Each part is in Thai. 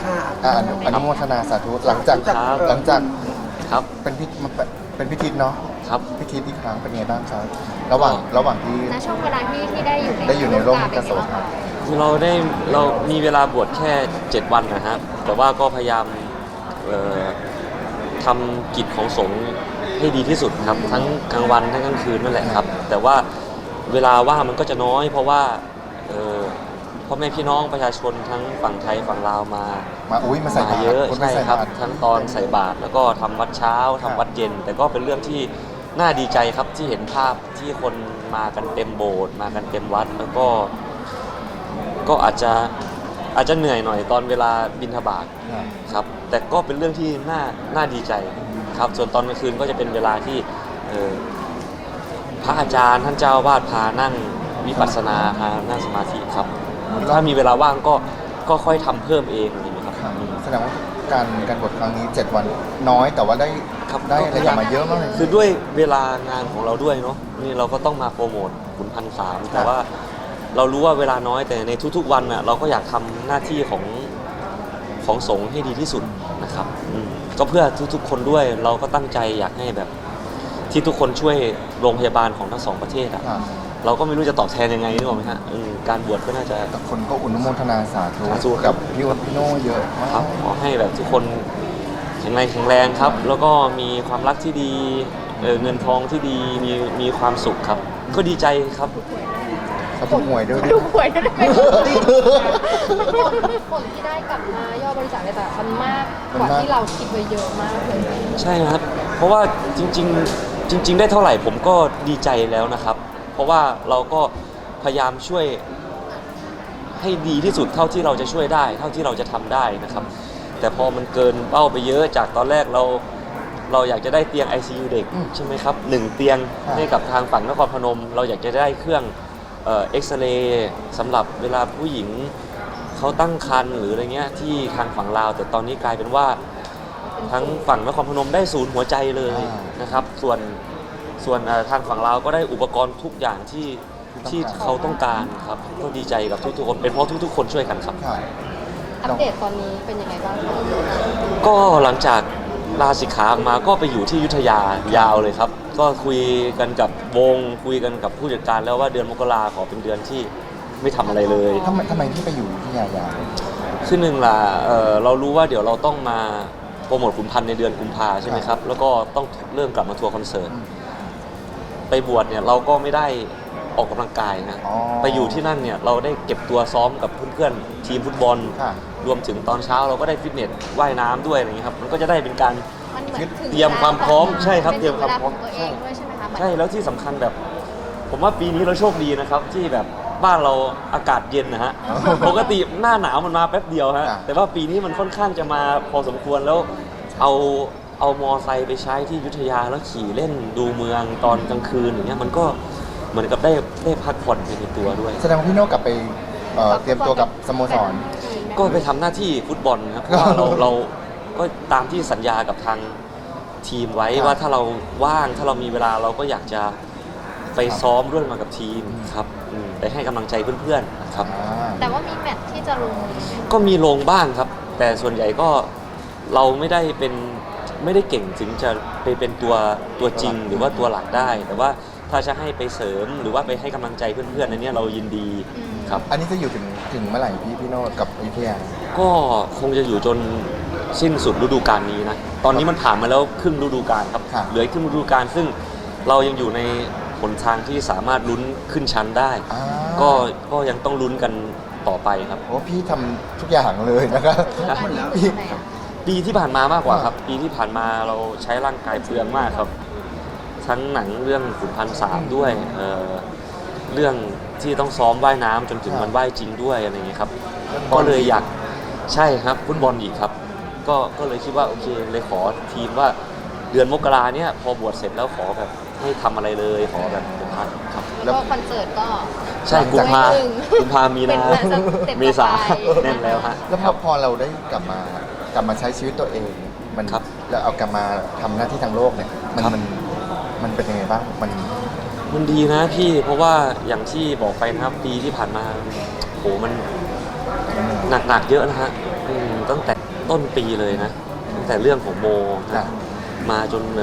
ค่ะอนุโมทนาสาธุหลังจากครับเป็นพิธีเนาะครับพิธีอีกครั้งเป็นไงบ้างครับระหว่างที่ณช่วงเวลาที่ได้อยู่ได้อยู่ในร่มกโสภาคือเรามีเวลาบวชแค่7 วันนะครับแต่ว่าก็พยายามทำกิจของสงฆ์ให้ดีที่สุดครับทั้งกลางวันทั้งกลางคืนนั่นแหละครับแต่ว่าเวลาว่างมันก็จะน้อยเพราะว่าพ่อแม่พี่น้องประชาชนทั้งฝั่งไทยฝั่งลาวมาใส่บาตรเยอะคนใช่ใส่ครับบาตรทั้งตอนใส่บาตรแล้วก็ทำวัดเช้าทำวัดเย็น แต่ก็เป็นเรื่องที่น่าดีใจครับที่เห็นภาพที่คนมากันเต็มโบสถ์มากันเต็มวัดแล้วก็อาจจะเหนื่อยหน่อยตอนเวลาบิณฑบาตครับแต่ก็เป็นเรื่องที่น่าดีใจครับส่วนตอนกลางคืนก็จะเป็นเวลาที่พระอาจารย์ท่านเจ้าวาดพานั่งวิปัสสนาพานั่งสมาธิครับถ้ามีเวลาว่างก็ค่อยทำเพิ่มเองอย่างนี้ครับแสดงว่าการบวชครั้งนี้7 วันน้อยแต่ว่าได้อะไรกลับมาเยอะมากเลยคือด้วยเวลางานของเราด้วยเนาะนี่เราก็ต้องมาโปรโมทขุนพันสามแต่ว่าเรารู้ว่าเวลาน้อยแต่ในทุกๆวันน่ะเราก็อยากทำหน้าที่ของสงฆ์ให้ดีที่สุดนะครับก็เพื่อทุกๆคนด้วยเราก็ตั้งใจอยากให้แบบที่ทุกคนช่วยโรงพยาบาลของทั้งสองประเทศอ่ะเราก็ไม่รู้จะตอบแทนยังไงนึกออกไหมฮะการบวชก็น่าจะคนก็อนุโมทนาสาธุสาธุกับพี่วัดพี่โน่เยอะมากครับขอให้แบบทุกคนแข็งแรงครับแล้วก็มีความรักที่ดีเงินทองที่ดีมีความสุขครับก็ดีใจครับเขาถูกหวยด้วยดูหวยได้ไหมผลที่ได้กลับมายอดบริจาคในแต่ละครั้งมากกว่าที่เราคิดไว้เยอะมากเลยใช่ครับเพราะว่าจริงได้เท่าไหร่ผมก็ดีใจแล้วนะครับเพราะว่าเราก็พยายามช่วยให้ดีที่สุดเท่าที่เราจะช่วยได้เท่าที่เราจะทำได้นะครับแต่พอมันเกินเป้าไปเยอะจากตอนแรกเราอยากจะได้เตียง ICU เด็กใช่ไหมครับ1 เตียงให้กับทางฝั่งนครพนมเราอยากจะได้เครื่องเอ็กซเรย์สำหรับเวลาผู้หญิงเขาตั้งครรภ์หรืออะไรเงี้ยที่ทางฝั่งลาวแต่ตอนนี้กลายเป็นว่าทั้งฝั่งนครพนมได้ศูนย์หัวใจเลยนะครับส่วนทางฝั่งลาวก็ได้อุปกรณ์ทุกอย่างที่เขาต้องการครับก็ดีใจกับทุกๆคนเป็นเพราะทุกๆคนช่วยกันครับอัปเดตตอนนี้เป็นยังไงบ้างคะก็หลังจากลาสิกขาออกมาก็ไปอยู่ที่อยุธยายาวเลยครับก็คุยกันกับวงคุยกันกับผู้จัดการแล้วว่าเดือนมกราขอเป็นเดือนที่ไม่ทำอะไรเลยทำไมที่ไปอยู่ที่ยาวคือหนึ่งล่ะเรารู้ว่าเดี๋ยวเราต้องมาโปรโมทขุนพันธ์ในเดือนกุมภาใช่ไหมครับแล้วก็ต้องเริ่มกลับมาทัวร์คอนเสิร์ตไปบวชเนี่ยเราก็ไม่ได้ออกกำลังกายนะไปอยู่ที่นั่นเนี่ยเราได้เก็บตัวซ้อมกับเพื่อนๆทีมฟุตบอลรวมถึงตอนเช้าเราก็ได้ฟิตเนสว่ายน้ำด้วยอะไรอย่างนี้ครับมันก็จะได้เป็นการเตรียมความพร้อมใช่ครับเตรียมความพร้อมใช่แล้วที่สำคัญแบบผมว่าปีนี้เราโชคดีนะครับที่แบบบ้านเราอากาศเย็นนะฮะปกติหน้าหนาวมันมาแป๊บเดียวฮะแต่ว่าปีนี้มันค่อนข้างจะมาพอสมควรแล้วเอามอไซค์ไปใช้ที่อยุธยาแล้วขี่เล่นดูเมืองตอนกลางคืนอย่างเงี้ยมันก็เหมือนกับได้พักผ่อนไปในตัวด้วยแสดงว่าพี่โน่กลับไปเตรียมตัวกับสโมสรก็ไปทำหน้าที่ฟุตบอลครับเพราะว่าเราก็ตามที่สัญญากับทางทีมไว้ว่าถ้าเราว่างถ้าเรามีเวลาเราก็อยากจะไปซ้อมร่วมกับทีมครับไปให้กำลังใจเพื่อนๆครับแต่ว่ามีแมตช์ที่จะลงก็มีลงบ้างครับแต่ส่วนใหญ่ก็เราไม่ได้เก่งถึงจะไปเป็นตัวจริงหรือว่าตัวหลักได้แต่ว่าถ้าจะให้ไปเสริมหรือว่าไปให้กำลังใจเพื่อนๆในนี้เรายินดีครับอันนี้จะอยู่ถึงเมื่อไหร่พี่โน่กับอยุธยาก็คงจะอยู่จนสิ้นสุดฤดูกาลนี้นะตอนนี้มันผ่านมาแล้วครึ่งฤดูกาลครับเหลือครึ่งฤดูกาลซึ่งเรายังอยู่ในหนทางที่สามารถลุ้นขึ้นชั้นได้ก็ยังต้องลุ้นกันต่อไปครับโอ้พี่ทำทุกอย่างเลยนะครับปีที่ผ่านมามากกว่าครับปีที่ผ่านมาเราใช้ร่างกายเปลืองมากครับทั้งหนังเรื่องขุนพันสามด้วยเรื่องที่ต้องซ้อมว่ายน้ำจนถึงวันว่ายจริงด้วยอะไรอย่างนี้ครับก็เลยอยากใช่ครับฟุตบอลอีกครับก็เลยคิดว่าโอเคเลยขอทีมว่าเดือนมกราเนี่ยพอบวชเสร็จแล้วขอแบบให้ทำอะไรเลยขอแบบเป็นพันครับแล้วคอนเสิร์ตก็ใช่กุมภามีนาเมษาแน่นแล้วฮะแล้วพอเราได้กลับมาใช้ชีวิตตัวเองมันแล้วเอากลับมาทำหน้าที่ทางโลกเนี่ยมันเป็นยังไงบ้างมันดีนะพี่เพราะว่าอย่างที่บอกไปนะครับปีที่ผ่านมาโหมันหนักเยอะนะฮะตั้งแต่ต้นปีเลยนะตั้งแต่เรื่องของโมจ้ะนะมาจน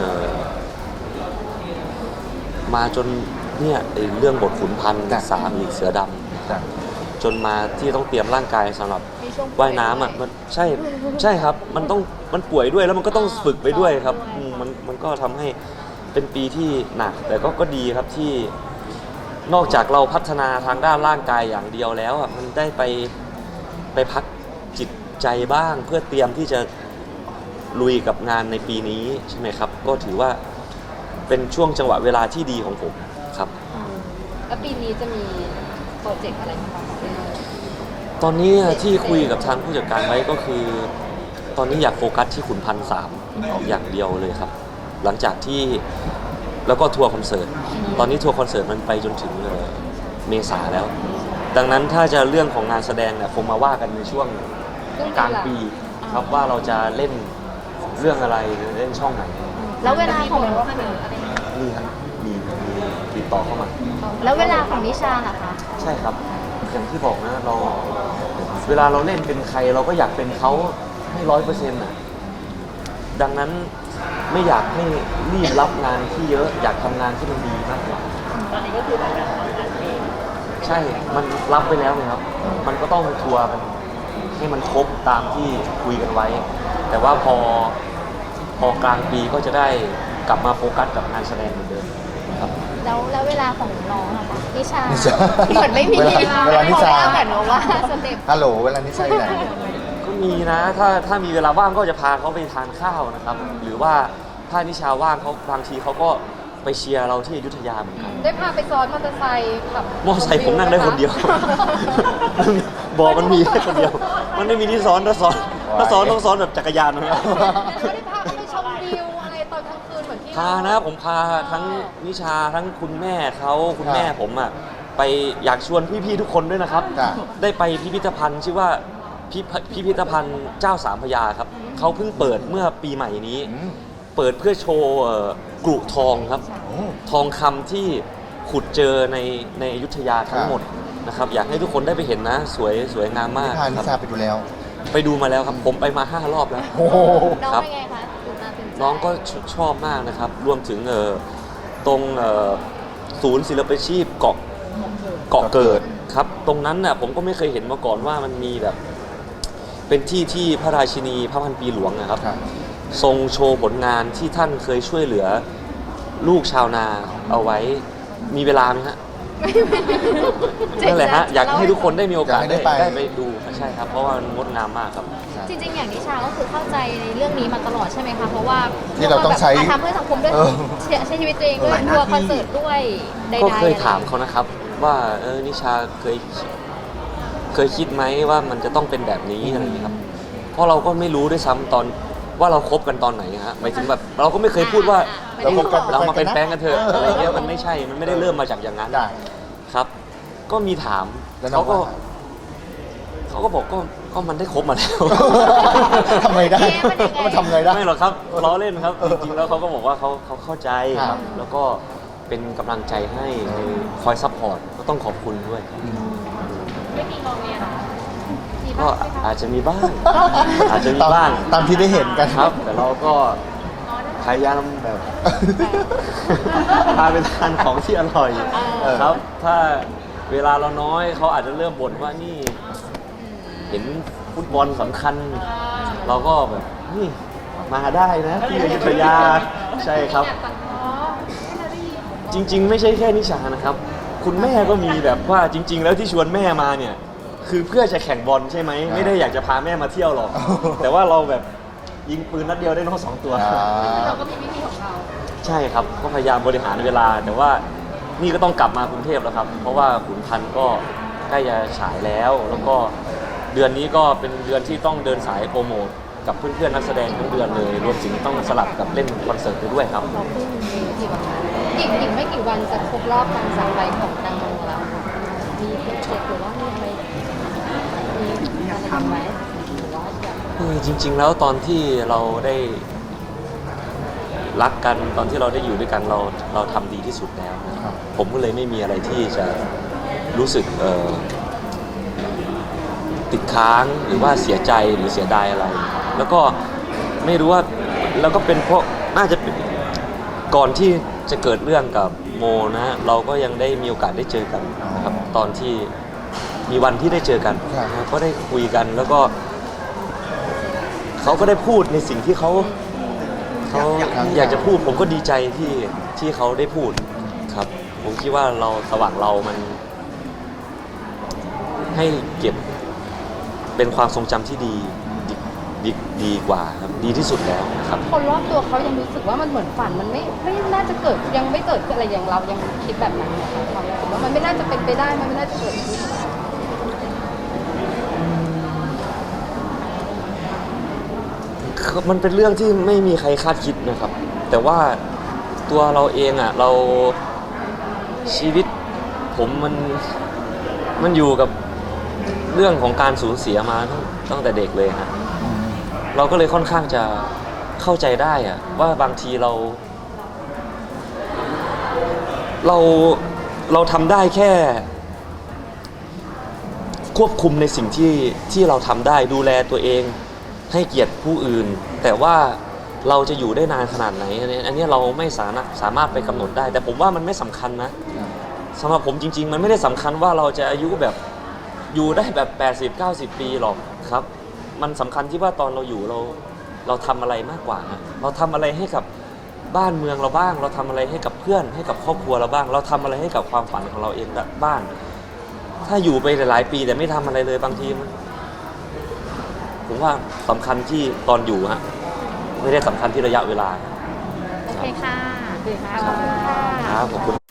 มาจนเนี่ยไอ้เรื่องบทขุนพันธ์จ้ะสามอีกเสือดจ้ะำจนมาที่ต้องเตรียมร่างกายสำหรับมีช่วงว่ายน้ำอ่ะมันใช่ครับมันป่วยด้วยแล้วมันก็ต้องฝึกไปด้วยครับมันก็ทำให้เป็นปีที่หนักแต่ก็ดีครับที่นอกจากเราพัฒนาทางด้านร่างกายอย่างเดียวแล้วอ่ะมันได้ไปพักจิตใจบ้างเพื่อเตรียมที่จะลุยกับงานในปีนี้ใช่ไหมครับก็ถือว่าเป็นช่วงจังหวะเวลาที่ดีของผมครับแล้วปีนี้จะมีโปรเจกต์อะไรบ้างคะตอนนี้ที่คุยกับทางผู้จัดการไว้ก็คือ ตอนนี้อยากโฟกัสที่ขุนพันธ์สามอย่างเดียวเลยครับ หลังจากที่แล้วก็ทัวร์คอนเสิร์ตตอนนี้ทัวร์คอนเสิร์ตมันไปจนถึงเมษาแล้ว ดังนั้นถ้าจะเรื่องของงานแสดงเนี่ยคงมาว่ากันในช่วงกลางปีครับว่าเราจะเล่นเรื่องอะไรเล่นช่องไหนแล้วเวลาของนี่ครับมีติดต่อเข้ามาแล้วเวลาของนิชาล่ะคะใช่ครับ อย่างที่บอกนะเราเวลาเราเล่นเป็นใครเราก็อยากเป็นเขาให้100%อ่ะดังนั้นไม่อยากให้รีบรับงานที่เยอะอยากทำงานที่มันดีมากกว่าตอนนี้ก็คือทำงานใช่ มันรับไปแล้วไงครับ มันก็ต้องทัวร์กันให้มันครบตามที่คุยกันไว้ แต่ว่าพอกลางปีก็จะได้กลับมาโฟกัสกับงานแสดงเหมือนเดิมครับแล้วเวลาของน้องอะคะนิชานิชาเหมือนไม่มีเวลานิชาเหมือนว่าสเต็ปฮัลโหลเวลานี้ใช่ไหนก็มีนะถ้ามีเวลาว่างก็จะพาเขาไปทานข้าวนะครับ หรือว่าถ้านิชาว่างเขาบางทีเขาก็ไปเชียร์เราที่อยุธยาเหมือนกันได้พาไปซ้อนมอเตอร์ไซค์ขับมอไซค์ผมนั่งได้คนเดียว บอกมันมีแค่คนเดียว มันไม่มีที่ซ้อนถ้าซ้อนต้องซ้อนแบบจักรยานนะแล้วได้พาไปชมวิวอะไรตอนกลางคืนเหมือนที่พานะผมพาทั้งนิชาทั้งคุณแม่เขาคุณแม่ผมอ่ะไปอยากชวนพี่ๆทุกคนด้วยนะครับจ้ะได้ไปพิพิธภัณฑ์ชื่อว่าพิพิธภัณฑ์เจ้าสามพระยาครับเขาเพิ่งเปิดเมื่อปีใหม่นี้อืมเปิดเพื่อโชว์กรุทองครับโอ้ทองคำที่ขุดเจอในอยุธยาทั้งหมดนะครับอยากให้ทุกคนได้ไปเห็นนะสวยงามมากพานิครับชาไปดูแล้วไปดูมาแล้วครับผมไปมา5 รอบแล้วโอ้โหน้องครับเป็นไงคะตื่นตาตื่นใจน้องก็ชอบมากนะครับ รวมถึงตรงศูนย์ศิลปาชีพเกาะเกิดครับ ตรงนั้นน่ะผมก็ไม่เคยเห็นมาก่อนว่ามันมีแบบ เป็นที่พระราชินีพระพันปีหลวงนะครับครับทรงโชว์ผลงานที่ท่านเคยช่วยเหลือลูกชาวนาเอาไว้มีเวลาไหมฮะนั่นแหละฮะอยากให้ทุกคนได้มีโอกาสอยากให้ได้ไปได้ไปดูใช่ครับ เพราะว่ามันงดงามมากครับจริงๆ อย่างนิชาก็คือเข้าใจในเรื่องนี้มาตลอดใช่ไหมคะ เพราะว่าที่เราต้องใช้ทำเพื่อสังคมด้วยเออใช้ชีวิตตัวเองด้วยทัวร์คอนเสิร์ตด้วยใดๆก็เคยถามเขานะครับ ว่านิชาเคยคิดไหมว่ามันจะต้องเป็นแบบนี้อะไรอย่างนี้ยครับ เพราะเราก็ไม่รู้ด้วยซ้ำตอนว่าเราคบกันตอนไหนฮะหมายถึงแบบเราก็ไม่เคยพูดว่าเราคบกันเรามาเป็นแฟนกันเถอะเออออะไรเงี้ยมันไม่ใช่มันไม่ได้เริ่มมาจากอย่างนั้นได้ครับ ก็มีถามแล้วน้อเขางก็ว่าเขาก็บอกก็มันได้คบมาแล้วทำไงได้มันทำไงได้ไม่หรอกครับล้อเล่นครับ จริงๆแล้วเขาก็บอกว่าเขาเข้าใจคครัรับบแล้วก็เป็นกำลังใจให้คอยซัพพอร์ตก็ต้องขอบคุณด้วยครับไม่มีงอแงหรอก็อาจจะมีบ้าง อาจจะมีบ้างตามที่ได้เห็นกันครับ แต่เราก็พยายามแบบ พาไปทานของที่อร่อยเออครับ ถ้าเวลาเราน้อยเขาอาจจะเริ่มบ่นว่านี่ เห็นฟุตบอลสำคัญ เราก็แบบนี่มาได้นะที่อยุธยาใช่ครับ จริง ๆ ไม่ใช่แค่นิชานะครับ คุณแม่ก็มีแบบว่าจริง ๆ แล้วที่ชวนแม่มาเนี่ย คือเพื่อจะแข่งบอลใช่ไหมไม่ได้อยากจะพาแม่มาเที่ยวหรอก แต่ว่าเราแบบยิงปืนนัดเดียวได้นก2 ตัวเราก็มีวิธีของเราใช่ครับก็พยายามบริหารเวลา แต่ว่านี่ก็ต้องกลับมากรุงเทพแล้วครับ เพราะว่าขุนพันธ์ก็ใกล้จะฉายแล้ว แล้วก็เดือนนี้ก็เป็นเดือนที่ต้องเดินสายโปรโมทกับเพื่อนๆนักแสดงทั้งเดือนเลย รวมถึงต้องสลับกับเล่นคอนเสิร์ตไปด้วยครับเราเพิ่งมีกี่วันนะอีกไม่กี่วันจะครบรอบการจากไปของแตงโมแล้วค่ะมีโปรเจกต์หรือว่ามีอะไรมีอะไรทำไหมหรือว่าอยากจริง ๆ แล้วตอนที่เราได้รักกันตอนที่เราได้อยู่ด้วยกันเราทำดีที่สุดแล้วนะครับ ผมก็เลยไม่มีอะไรที่จะรู้สึกติดค้างหรือว่าเสียใจหรือเสียดายอะไร แล้วก็ไม่รู้ว่าแล้วก็เป็นเพราะน่าจะเป็นก่อนที่จะเกิดเรื่องกับโมนะ เราก็ยังได้มีโอกาสได้เจอกันนะครับตอนที่มีวันที่ได้เจอกันนะก็ได้คุยกันแล้วก็เขาก็ได้พูดในสิ่งที่เขาอยากจะพูด ผมก็ดีใจที่เขาได้พูดครับ ผมคิดว่าเราระหว่างเรามันให้เก็บเป็นความทรงจำที่ดีกว่าครับดีที่สุดแล้วครับคนรอบตัวเขายังรู้สึกว่ามันเหมือนฝันมันไม่น่าจะเกิดยังไม่เกิดขึ้นอะไรอย่างเรายังคิดแบบนั้นนะคะความรู้สึกว่ามันไม่น่าจะเป็นไปได้มันไม่น่าจะเกิดขึ้นมันเป็นเรื่องที่ไม่มีใครคาดคิดนะครับ แต่ว่าตัวเราเองอ่ะเราชีวิตผมมันอยู่กับเรื่องของการสูญเสียมาตั้งแต่เด็กเลยฮะเราก็เลยค่อนข้างจะเข้าใจได้อะว่าบางทีเราทำได้แค่ควบคุมในสิ่งที่เราทำได้ดูแลตัวเองให้เกียรติผู้อื่นแต่ว่าเราจะอยู่ได้นานขนาดไหนอันนี้เราไม่สามารถไปกำหนดได้แต่ผมว่ามันไม่สำคัญนะสำหรับผมจริงๆมันไม่ได้สำคัญว่าเราจะอายุแบบอยู่ได้แบบ80-90 ปีหรอกครับมันสำคัญที่ว่าตอนเราอยู่เราทำอะไรมากกว่าเราทำอะไรให้กับบ้านเมืองเราบ้างเราทำอะไรให้กับเพื่อนให้กับครอบครัวเราบ้างเราทำอะไรให้กับความฝันของเราเองบ้างถ้าอยู่ไปหลายๆปีแต่ไม่ทำอะไรเลยบางทีผมว่าสำคัญที่ตอนอยู่ฮะไม่ได้สำคัญที่ระยะเวลาโอเคค่ะครับขอบคุณ